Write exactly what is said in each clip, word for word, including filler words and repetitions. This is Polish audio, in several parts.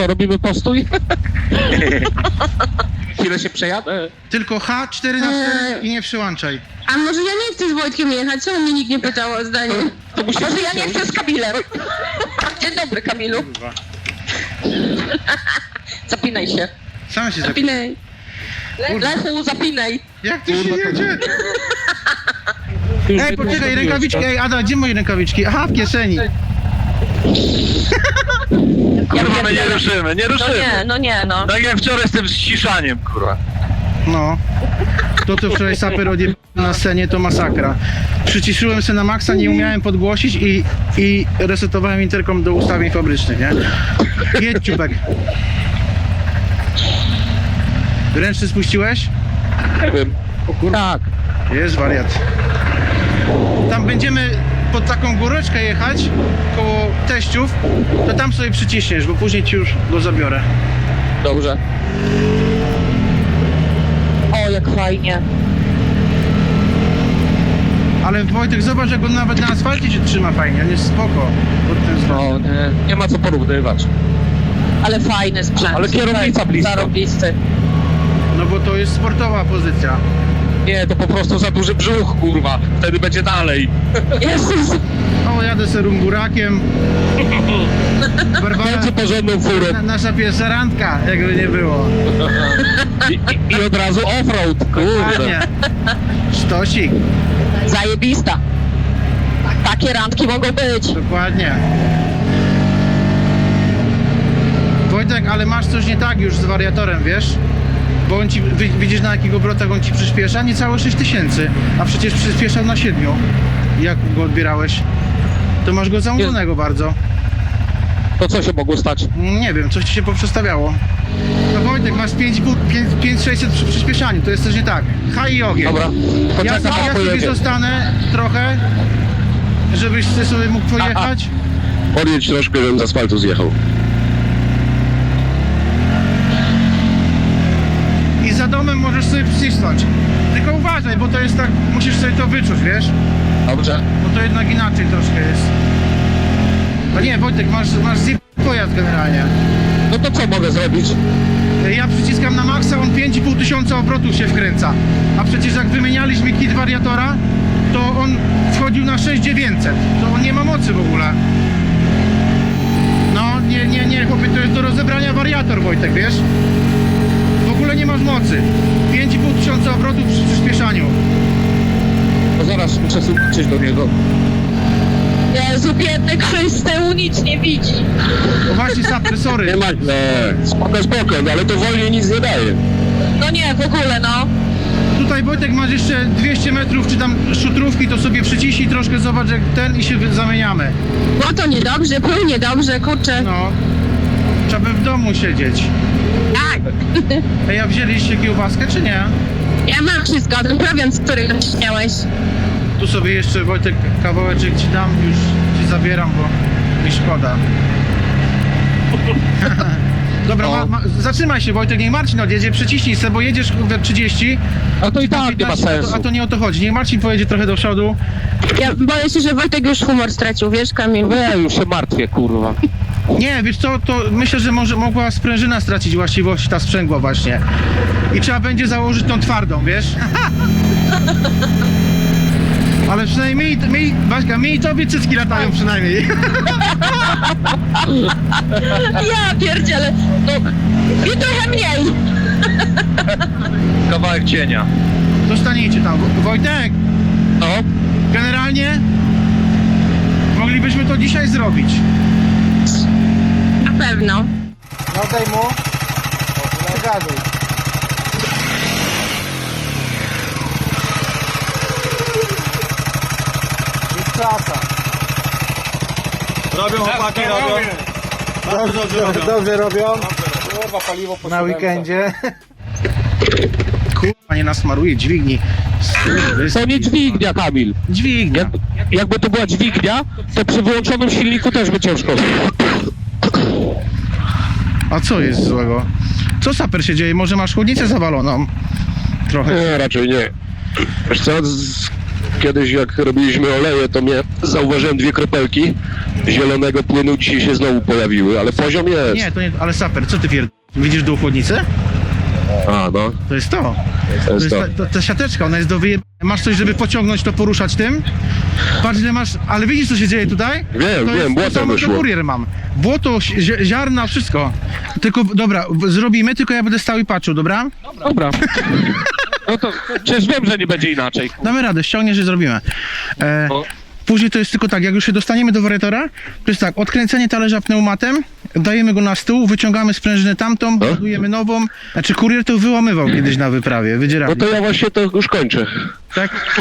co, robimy postój? Chwilę się przejadę. Tylko H cztery na cztery i nie przyłączaj. A może ja nie chcę z Wojtkiem jechać? Czemu mnie nikt nie pytał o zdanie? To musi Może ja nie chcę z Kamilem? Dzień dobry, Kamilu. Zapinaj się. Sam się zapinaj. Zapinaj. Lechu, zapinaj. Jak ty się Kurwa, to- jedzie? Już Ej, jedną poczekaj, zrobiłeś, rękawiczki. tak? Ej, Ada, gdzie moje rękawiczki? Aha, w kieszeni. Kurwa, my nie ruszymy, nie No ruszymy. nie, no nie, no. Tak jak wczoraj z tym ściszaniem, kurwa. No. To, co wczoraj saper odjebał na scenie, to masakra. Przyciszyłem się na maksa, nie umiałem podgłosić i, i resetowałem interkom do ustawień fabrycznych, nie? Jedź, ciupek. Ręczny spuściłeś? Nie wiem. Tak. Jest wariat. Tam będziemy pod taką góreczkę jechać, koło teściów, to tam sobie przyciśniesz, bo później ci już go zabiorę. Dobrze. O, jak fajnie. Ale Wojtek, zobacz, jak on nawet na asfalcie się trzyma fajnie, on jest spoko pod tym względem. No, nie, nie ma co porównywać. Ale fajny sprzęt. Ale kierownica blisko. Zarobisty. No bo to jest sportowa pozycja. Nie, to po prostu za duży brzuch, kurwa. Wtedy będzie dalej. Jezus. O, jadę se rumburakiem. Barbara, Będzie porządną furą. na, nasza pierwsza randka, jakby nie było. I, i, I od razu offroad, Ładnie. kurde. Sztosik, Zajebista. Takie randki mogą być. dokładnie. Wojtek, ale masz coś nie tak już z wariatorem, wiesz? Bo on ci, wi- widzisz na jakich obrotach on ci przyspiesza? Niecałe sześć tysięcy, a przecież przyspieszał na siedmiu. Jak go odbierałeś? To masz go zamówionego bardzo. To co się mogło stać? Nie wiem, coś ci się poprzestawiało. No Wojtek, masz pięć tysięcy sześćset przy przyspieszaniu, to jest też nie tak. H i ogień. Dobra, Ja, poczekam, ja a sobie pojedzie. zostanę trochę, żebyś ty sobie mógł pojechać. Podjedź troszkę, żebym z asfaltu zjechał. I za domem możesz sobie przycisnąć. Tylko uważaj, bo to jest tak, musisz sobie to wyczuć, wiesz? Dobrze. Bo to jednak inaczej troszkę jest. No nie, Wojtek, masz, masz zip pojazd generalnie. No to co mogę zrobić? Ja przyciskam na maksa, on pięć i pół tysiąca obrotów się wkręca. A przecież jak wymienialiśmy kit wariatora, to on wchodził na sześć tysięcy dziewięćset. To on nie ma mocy w ogóle. No, nie, nie, nie, chłopie, to jest do rozebrania wariator, Wojtek, wiesz? W ogóle nie masz mocy. pięć i pół tysiąca obrotów przy przyspieszaniu. To zaraz muszę zobaczyć do niego. Jezu, biedny Krzyś z tyłu nic nie widzi. O właśnie, saper, sorry. Nie ma, no, spoko, spoko, ale to wolniej nic nie daje. No nie, w ogóle no. Tutaj, Wojtek, masz jeszcze dwieście metrów, czy tam szutrówki, to sobie przyciśnij troszkę, zobacz jak ten i się wy- zamieniamy. No to niedobrze, płynie dobrze, kurczę. No, trzeba by w domu siedzieć. Tak. Ej, a wzięliście kiełbaskę, czy nie? Ja mam wszystko, ten prowiant, który miałeś. Tu sobie jeszcze, Wojtek, kawałeczek ci dam, już ci zabieram, bo mi szkoda. Dobra, ma, ma, zatrzymaj się, Wojtek, niech Marcin odjedzie, przyciśnij se, bo jedziesz we trzydzieści. A to i tak nie ma A to, sensu. a to nie o to chodzi, niech Marcin pojedzie trochę do przodu. Ja boję się, że Wojtek już humor stracił, wiesz, Kamil? No ja już się martwię, kurwa. Nie, wiesz co, to myślę, że może mogła sprężyna stracić właściwości, ta sprzęgła właśnie. I trzeba będzie założyć tą twardą, wiesz? Ale przynajmniej, mi, Baśka, mi i tobie cycki latają przynajmniej. Ja pierdzielę, no i trochę mniej. Kawałek cienia. Zostaniecie tam. Wo- Wojtek, No, generalnie moglibyśmy to dzisiaj zrobić. Na pewno. No daj mu. Zagaduj. Jest klasa. Robią chłopaki, robią. Dobrze, dobrze robią. Dobrze robią. Kurwa, paliwo po Na weekendzie. Kurwa, nie nasmaruje dźwigni. to nie dźwignia, Kamil. Dźwignia. Jak, jakby to była dźwignia, to przy wyłączonym silniku też by ciężko. A co jest złego? Co saper się dzieje? Może masz chłodnicę zawaloną? Trochę. Nie, raczej nie. Wiesz co, z... kiedyś jak robiliśmy oleje, to mnie zauważyłem dwie kropelki zielonego płynu, dzisiaj się znowu pojawiły, ale poziom jest. Nie, to nie, ale saper, co ty pierd... Widzisz dół chłodnicy? A, no. To jest to. To To jest jest to. ta, ta, ta siateczka, ona jest do wyje... Masz coś, żeby pociągnąć to, poruszać tym? Patrz ile masz, ale widzisz co się dzieje tutaj? Wiem, to wiem, jest to błoto samo, co wyszło. kurier mam. Błoto, zi- ziarna, wszystko. Tylko, dobra, w- zrobimy, tylko ja będę stał i patrzył, dobra? Dobra. No to przecież wiem, że nie będzie inaczej. Damy radę, ściągniesz i zrobimy. E, No. później to jest tylko tak, jak już się dostaniemy do wariatora, to jest tak, odkręcenie talerza pneumatem, dajemy go na stół, wyciągamy sprężynę tamtą, No. budujemy nową. Znaczy kurier to wyłamywał kiedyś na wyprawie, wydzierali. No to ja właśnie to już kończę. Tak?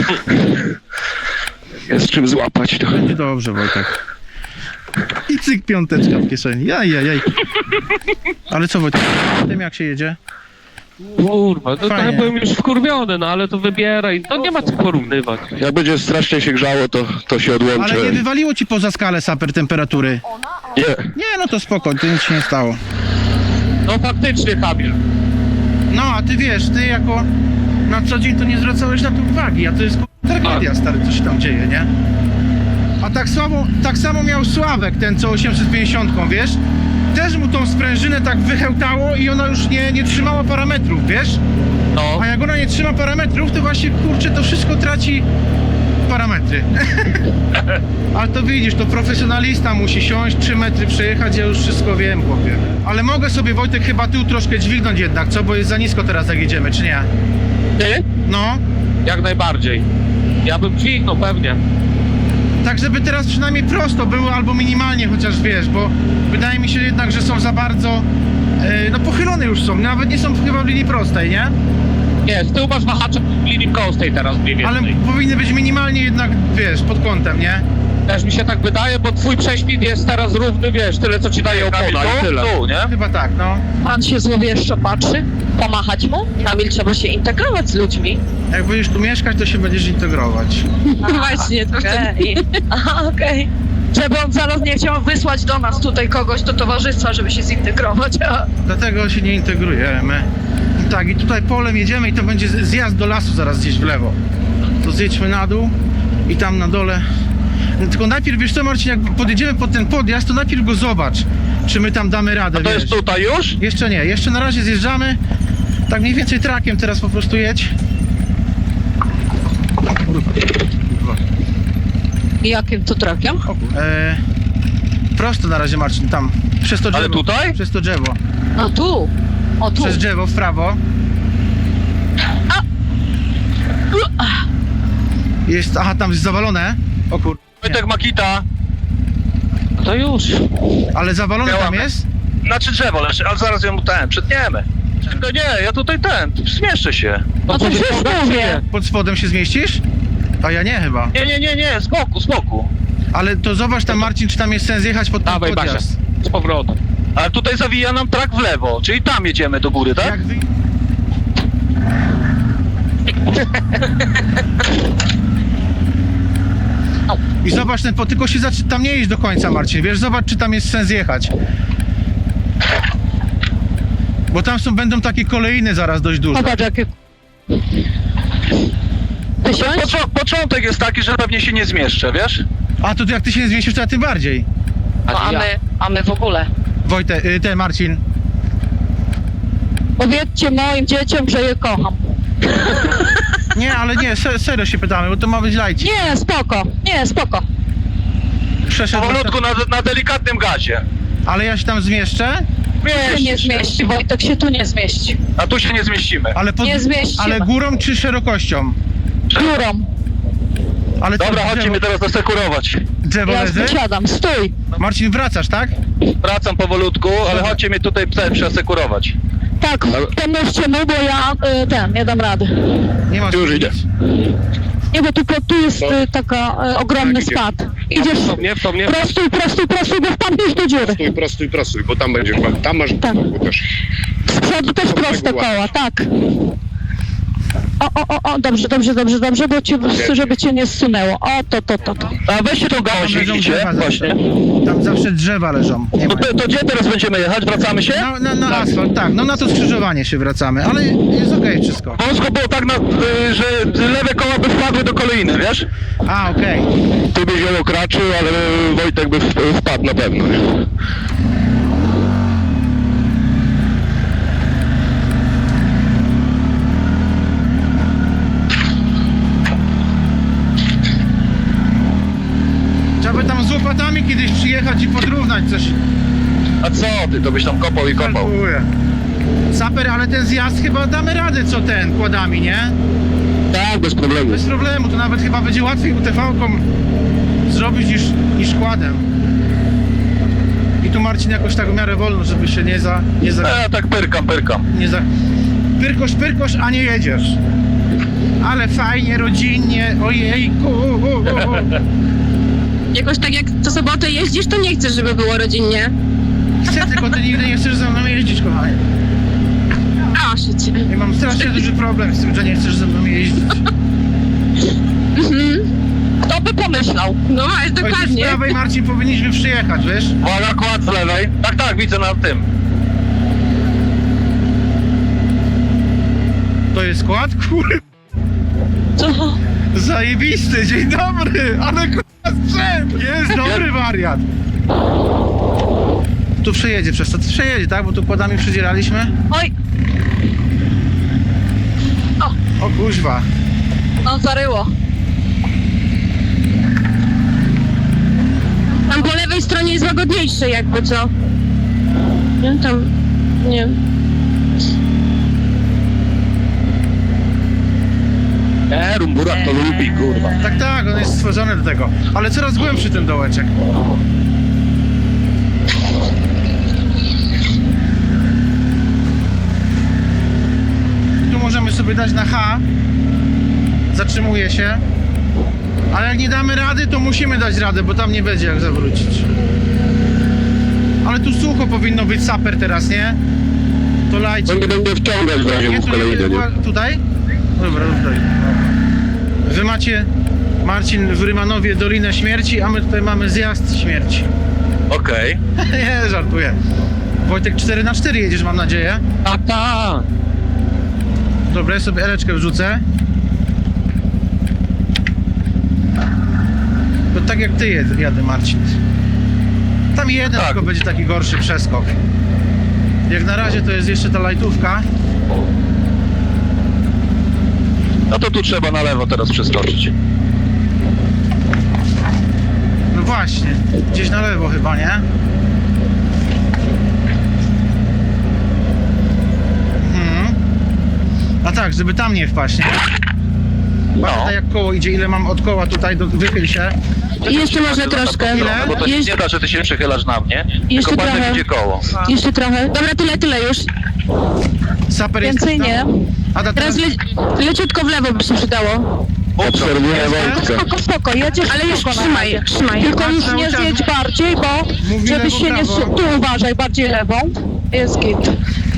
Jest czym złapać to. Będzie dobrze, Wojtek. I cyk, piąteczka w kieszeni. Jaj, jaj, jaj. Ale co, Wojtek, tym jak się jedzie? Kurwa, no Fajnie. trochę byłem już wkurwiony, no ale to wybieraj. To nie ma co porównywać. Jak będzie strasznie się grzało, to, to się odłączę. Ale nie wywaliło ci poza skalę saper temperatury. Nie. Nie, no to spoko, to nic się nie stało. No faktycznie, Kamil. No, a ty wiesz, ty jako na co dzień to nie zwracałeś na to uwagi, a to jest k***a tragedia, stary, co się tam dzieje, nie? A tak samo, tak samo miał Sławek, ten co osiemset pięćdziesiąt, wiesz? Też mu tą sprężynę tak wychełtało i ona już nie, nie trzymała parametrów, wiesz? No. A jak ona nie trzyma parametrów, to właśnie, kurczę, to wszystko traci parametry. Ale to widzisz, to profesjonalista musi siąść, trzy metry przejechać, ja już wszystko wiem, chłopie. Ale mogę sobie, Wojtek, chyba tył troszkę dźwignąć jednak, co? Bo jest za nisko teraz, jak jedziemy, czy nie? Ty? No, Jak najbardziej. Ja bym dźwignął pewnie. tak żeby teraz przynajmniej prosto było, albo minimalnie chociaż, wiesz, bo wydaje mi się jednak, że są za bardzo, e, no pochylone już są, nawet nie są chyba w linii prostej, nie? Nie, z tyłu masz wahacze w linii prostej teraz mniej więcej. Ale powinny być minimalnie jednak, wiesz, pod kątem, nie? Też mi się tak wydaje, bo twój prześpit jest teraz równy, wiesz, tyle co ci daje opona i tyle. Tu, nie? Chyba tak, no. Pan się złowieszczo patrzy, pomachać mu. Kamil, trzeba się integrować z ludźmi. Jak będziesz tu mieszkać, to się będziesz integrować. No właśnie, to wtedy... Aha, okej. Żeby on zaraz nie chciał wysłać do nas tutaj kogoś do towarzystwa, żeby się zintegrować. A... Dlatego się nie integrujemy. Tak, i tutaj polem jedziemy i to będzie z- zjazd do lasu zaraz gdzieś w lewo. To zjedźmy na dół i tam na dole. No, tylko najpierw, wiesz co, Marcin, jak podjedziemy pod ten podjazd, to najpierw go zobacz, czy my tam damy radę, To wiesz. jest tutaj już? Jeszcze nie, jeszcze na razie zjeżdżamy. Tak mniej więcej trakiem teraz po prostu jedź. Kurwa. Kurwa. Jakim to trakiem? O, kur- e, prosto na razie, Marcin, tam. Przez to drzewo. Ale tutaj? Przez to drzewo. A tu. O tu. Przez drzewo w prawo. Jest, aha, tam jest zawalone. O kur... Wojtek Makita. To już. Ale zawalone tam Działamy. jest? Znaczy drzewo leży, ale zaraz ją ten, przetniemy. Tylko nie, ja tutaj ten, zmieszczę się. No to będzie już podać, mówię. czy nie? Pod spodem się zmieścisz? A ja nie chyba. Nie, nie, nie, nie, z boku, z boku. Ale to zobacz tam, Marcin, czy tam jest sens jechać pod ten Dawaj, Basia. podjazd. Z powrotem. Ale tutaj zawija nam trak w lewo, czyli tam jedziemy do góry, tak? Jak wy... I zobacz ten, po- tylko się zaczy... tam nie iść do końca, Marcin, wiesz, zobacz, czy tam jest sens jechać. Bo tam są, będą takie kolejny zaraz dość duże. Popatrz jakie... Tysiąc? Poczo- początek jest taki, że pewnie się nie zmieszczę, wiesz? A to jak ty się nie zmieścisz, to ja tym bardziej. No, a, my, a my w ogóle. Wojtek, y, ten Marcin. Powiedzcie moim dzieciom, że je kocham. Nie, ale nie, se, serio się pytamy, bo to ma być lajcik. Nie, spoko. Nie, spoko. Przeszedł, Powolutku na, na delikatnym gazie. ale ja się tam zmieszczę, Tu się nie zmieści, Wojtek się tu nie zmieści. A tu się nie zmieścimy. ale, pod... Nie zmieścimy. ale górą czy szerokością? Górą. Ale co, Dobra, chodźcie drzewo, mnie teraz zasekurować. drzewo Ja leży? siadam, stój. Marcin, wracasz, tak? Wracam powolutku, ale chodźcie mnie tutaj tutaj przesekurować. Tak, pomóżcie mu, bo ja y, ten, nie dam rady. Nie masz Już nic. idę. Nie, bo tylko tu jest y, taka y, ogromny Tak, idzie. spad. Idziesz W to mnie, w to mnie. prostuj, prostuj, prostuj, bo wpadniesz do dziury. Prostuj, prostuj, prostuj, bo tam będziesz, tam masz Tak. bo też. Z przodu też To proste tak koła, tak. O, o, o, o, dobrze, dobrze, dobrze, dobrze, bo cię, żeby cię nie zsunęło. O, to, to, to, to. A weźcie tą Tam gałąź, leżą widzicie? drzewa zawsze. Właśnie. Tam zawsze drzewa leżą. Nie To, ma. to, to gdzie teraz będziemy jechać? Wracamy się? Na, na, na asfalt, tak, no na to skrzyżowanie się wracamy, ale jest okej wszystko. Wąsko było tak, na, y, że lewe koła by wpadły do kolejny, wiesz? A, okej. Tu byś ją okraczył, ale Wojtek by w- wpadł na pewno. Nie? Trzeba by tam z łopatami kiedyś przyjechać i podrównać coś. A co ty, to byś tam kopał i kopał. Kalkuluję. Saper, ale ten zjazd chyba damy radę co ten, kładami, nie? Tak, bez problemu. Bez problemu, to nawet chyba będzie łatwiej U T V-ką zrobić niż, niż kładem. I tu Marcin jakoś tak w miarę wolno, żeby się nie za... nie za... Ja tak pyrkam, pyrkam. nie za... Pyrkosz, pyrkosz, a nie jedziesz. Ale fajnie, rodzinnie, ojejku. Jakoś tak jak co sobotę jeździsz, to nie chcesz, żeby było rodzinnie. Chcę, tylko ty nigdy nie chcesz ze mną jeździć, kochanie. A, szycie. Ja mam strasznie duży problem z tym, że nie chcesz ze mną jeździć. Kto by pomyślał? No, jest Ojciec z dokładnie. prawej, Marcin, powinniśmy przyjechać, wiesz? Uwaga, kład z lewej. Tak, tak, widzę na tym. To jest skład? Kurde, Co? zajebisty, dzień dobry, ale kurwa sprzęt, jest dobry wariat. Tu przejedzie przez to, to przejedzie, tak? Bo tu kładami przydzieraliśmy. Oj, O kuźwa. no zaryło. Tam po lewej stronie jest łagodniejsze jakby, co? Nie, tam... Nie. E, rumburak to lubi, kurwa. Tak, tak, on jest stworzony do tego. Ale coraz głębszy ten dołeczek. Tu możemy sobie dać na H. Zatrzymuje się. Ale jak nie damy rady, to musimy dać radę, bo tam nie będzie jak zawrócić. Ale tu sucho powinno być, saper teraz, nie? To lajcie. On nie będzie wciągać w razie Nie, w tu, kolejny, nie? nie, tutaj? Dobra, tutaj. Wy macie, Marcin, w Rymanowie Dolinę Śmierci, a my tutaj mamy zjazd śmierci. Okej. Nie, żartuję. Wojtek, cztery na cztery jedziesz, mam nadzieję. Tak, tak. Dobra, ja sobie eleczkę wrzucę. To tak jak ty jed, jadę, Marcin. Tam jeden Tak. tylko będzie taki gorszy przeskok. Jak na razie to jest jeszcze ta lajtówka. No to tu trzeba na lewo teraz przeskoczyć. No właśnie, gdzieś na lewo chyba, nie? Mhm. A tak, żeby tam nie wpaść, nie? Patrzę No. tak jak koło idzie, ile mam od koła tutaj, do, wychyl się. I jeszcze może troszkę. Ile? Bo to się Jeszcze- nie da, że ty się przychylasz na mnie. Jeszcze Tylko patrz, trochę. jak idzie koło. Jeszcze trochę. Dobra, tyle, tyle już. Saper jest Więcej tam? nie. Ada, Teraz teraz... le leciutko w lewo by się przydało. Obserwuję Wojtka. Spoko, spoko, jedziesz Ale już spoko na trzymaj, razie. trzymaj. Tylko już Cały nie czas. zjedź bardziej, bo Mówi żebyś lewo, się nie... prawo. su- Tu uważaj, bardziej lewą. Jest git.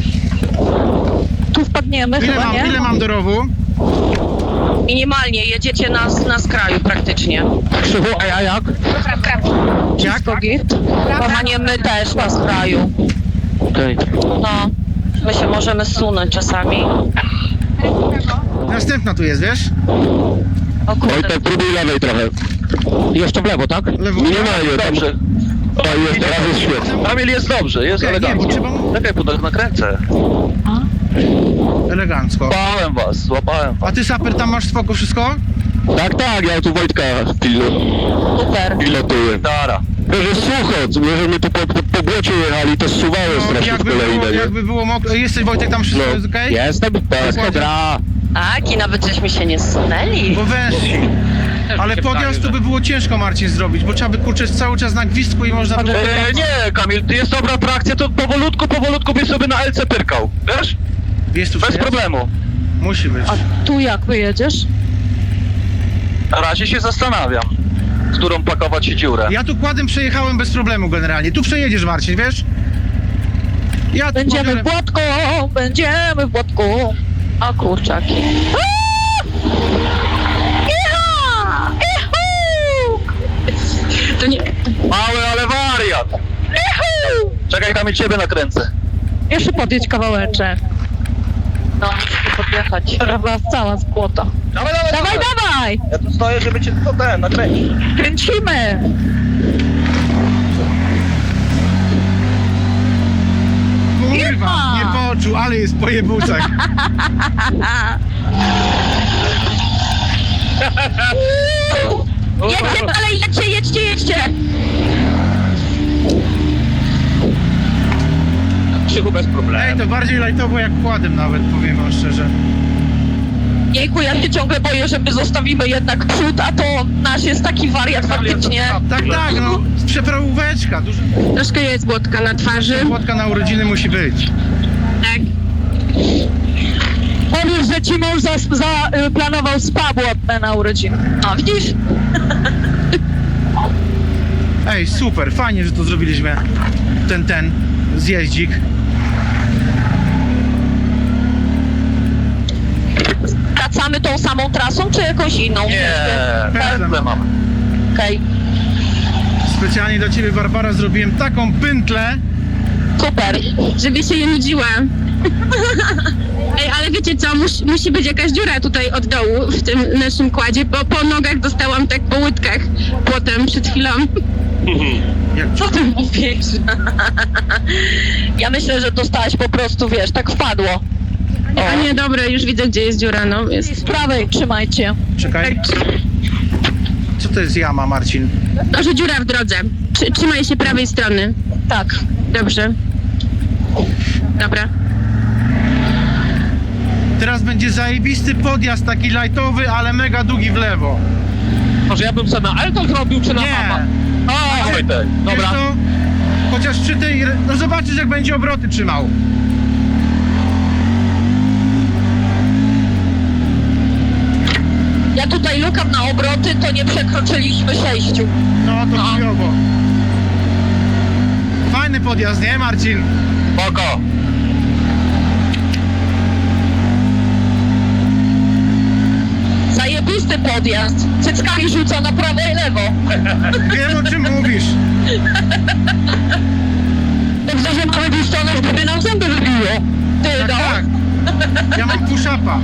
Tu wpadniemy Ile chyba, mam, nie? ile mam do rowu? Minimalnie, jedziecie na, na skraju praktycznie. Krzychu, a ja jak? Jak? Wszystko git. Kochanie, my też na skraju. Okej. No, my się możemy zsunąć czasami. Następna tu jest, wiesz? O kurde. Wojtek, próbuj lewej trochę. Jeszcze w lewo, tak? Lewo. Minimalnie, tam... Dobrze. O, jest, teraz jest świetnie. Kamil jest dobrze, jest Okej, nie, bo elegancko. trzeba mu- Czekaj, bo tak nakręcę. Elegancko. Złapałem was, złapałem was. A ty, Saper, tam masz spoko wszystko? Tak, tak, ja tu Wojtka pilnu, Super. pilotuję. Dara. To jest sucho, możemy tu po, po, po błocie jechali, to zsuwało strasznie w jakby, było, kolejne, nie? jakby było mokro. Jesteś, Wojtek, tam wszystko No. jest okej? Jestem, wszystko gra. Tak, i nawet żeśmy się nie zsunęli. Bo wężsi. Ale podjazd to by było ciężko, Marcin, zrobić, bo trzeba by kurczeć cały czas na gwizdku i można by... E, nie, Kamil, ty jest dobra trakcja, to powolutku, powolutku byś sobie na L C pyrkał. Wiesz? Jest tu Bez przejazd? problemu. Musi być. A tu jak wyjedziesz? Na razie się zastanawiam, w którą pakować się dziurę. Ja tu kładem przejechałem bez problemu generalnie. Tu przejedziesz, Marcin, wiesz? Ja tu Będziemy pobiorę- w Błotku, będziemy w Błotku. O kurczaki. Iha! Ihu! To nie... Mały, ale wariat. Czekaj, tam i ciebie nakręcę. Jeszcze podjedź kawałeczek. No, musimy podjechać. Trawa cała z płota. Dawaj, dawaj, Dawaj, dawaj! Ja tu stoję, żeby cię tylko ten nakręcić. Kręcimy! Kurwa, nie poczuł, ale jest po jebucach. Jedźcie dalej, jedźcie, jedźcie, jedźcie! Krzychu bez Ej, problemu. to bardziej lajtowo jak kładem nawet, powiem wam szczerze. Jejku, ja się ciągle boję, że my zostawimy jednak przód, a to nasz jest taki wariat faktycznie. Tak, tak, no, przeprawóweczka, duża Troszkę jest błotka na twarzy. płotka na urodziny musi być. Tak. Powiesz, że ci mąż zaplanował spa błotne na urodziny. No, widzisz? Ej, super, fajnie, że to zrobiliśmy. Ten, ten zjeździk. Wracamy tą samą trasą, czy jakąś inną? Nie, Pędzle pędzle mam. Okej, Specjalnie dla ciebie, Barbara, zrobiłem taką pętlę. super. Żeby się nie nudziła. Ej, ale wiecie co, Mus, musi być jakaś dziura tutaj od dołu w tym naszym kładzie, bo po nogach dostałam tak po łydkach potem przed chwilą. Jak Co ty mówisz? Ja myślę, że dostałaś po prostu, wiesz, tak wpadło. A nie, dobra, już widzę, gdzie jest dziura, no jest. Z prawej trzymajcie. Czekaj. Co to jest jama, Marcin? No, że dziura w drodze. Trzy, trzymaj się prawej strony. Tak. Dobrze. Dobra. Teraz będzie zajebisty podjazd, taki lajtowy, ale mega długi w lewo. Może ja bym sobie na Elton zrobił, czy na mama? Nie. O, Wojtek. Wiesz Dobra. co? Chociaż przy tej... No zobaczysz, jak będzie obroty trzymał. Ja tutaj lukam na obroty, to nie przekroczyliśmy sześciu. No to No. chujowo. Fajny podjazd, nie, Marcin? Spoko. Zajebisty podjazd. Cyckami rzuca na prawo i lewo. Wiem, o czym mówisz. Dobrze, że mamy biustonosz, gdyby nam zęby wybiło. Ty, Tak, no. tak. Ja mam push-upa.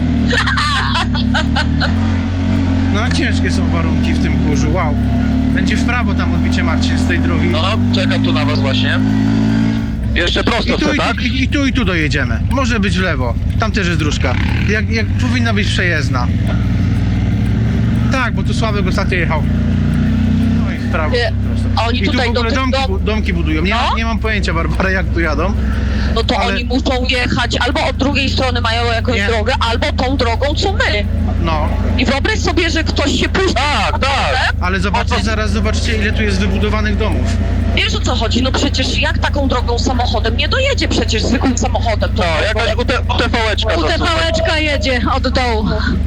No, ciężkie są warunki w tym kurzu, wow. Będzie w prawo tam odbicie, Marcin, z tej drogi. No, czekam tu na was właśnie. Jeszcze I prosto tu, chcę, i, tak? i, i tu, i tu dojedziemy. Może być w lewo. Tam też jest dróżka. Jak, jak powinna być przejezdna. Tak, bo tu Sławek ostatnio jechał. No i w prawo. Nie, prosto. a oni I tu tutaj w ogóle do tych domki, dom- bu- domki budują. Nie, No? nie mam pojęcia, Barbara, jak tu jadą. No to Ale- oni muszą jechać albo od drugiej strony mają jakąś Nie. drogę, albo tą drogą, co my. No, I wyobraź sobie, że ktoś się puści. Tak, tak. ale zobaczcie, zaraz zobaczcie, ile tu jest wybudowanych domów. Wiesz, o co chodzi? No przecież jak taką drogą samochodem? Nie dojedzie przecież zwykłym samochodem. To No, jakaś U T V-eczka U T V-eczka jedzie od dołu.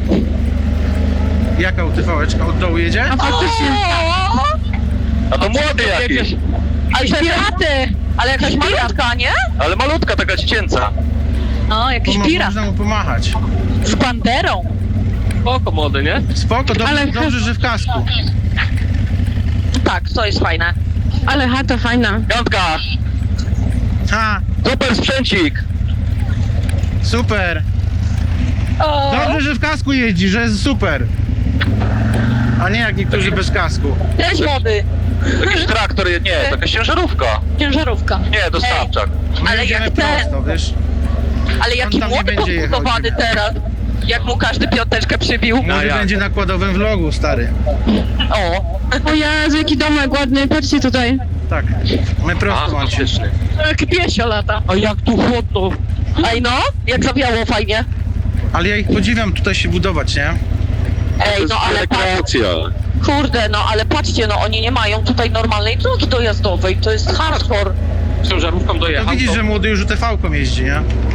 Jaka U T V-eczka od dołu jedzie? A faktycznie. O! A to młody jakiś. Ale piraty! Ale jakaś malutka, nie? Ale malutka, taka dziecięca. No, jakiś Pomo- pirat. Można mu pomachać. Z banderą. Spoko młody, nie? Spoko, dobrze, Ale- dobrze, że w kasku. Tak, to jest fajne. Ale chata fajna. Piątka. Ha, Super sprzęcik. super. Dobrze, że w kasku jeździ, że jest super. A nie jak niektórzy bez kasku. Cześć młody. Jakiś traktor, nie, to jakaś ciężarówka. Ciężarówka. Nie, dostawczak. My Ale jedziemy jak ten- prosto, wiesz? Ale jaki tam nie młody będzie jechał podbudowany dziwnie. teraz. Jak mu każdy piąteczkę przybił. No Może jak? będzie na kładowym vlogu, stary. O, O Jezu, jaki domek ładny, patrzcie tutaj. Tak, my prosto, Marcin. fantastyczny. jak piesio lata. A jak tu chłodno. Ej no, jak zawiało fajnie. Ale ja ich podziwiam tutaj się budować, nie? Ej, no ale patrz, Rekreacja. kurde, no ale patrzcie, no oni nie mają tutaj normalnej drogi dojazdowej, to jest hardcore. Z ciężarówką No dojechał. widzisz, to- że młody już U T V-ką jeździ, nie?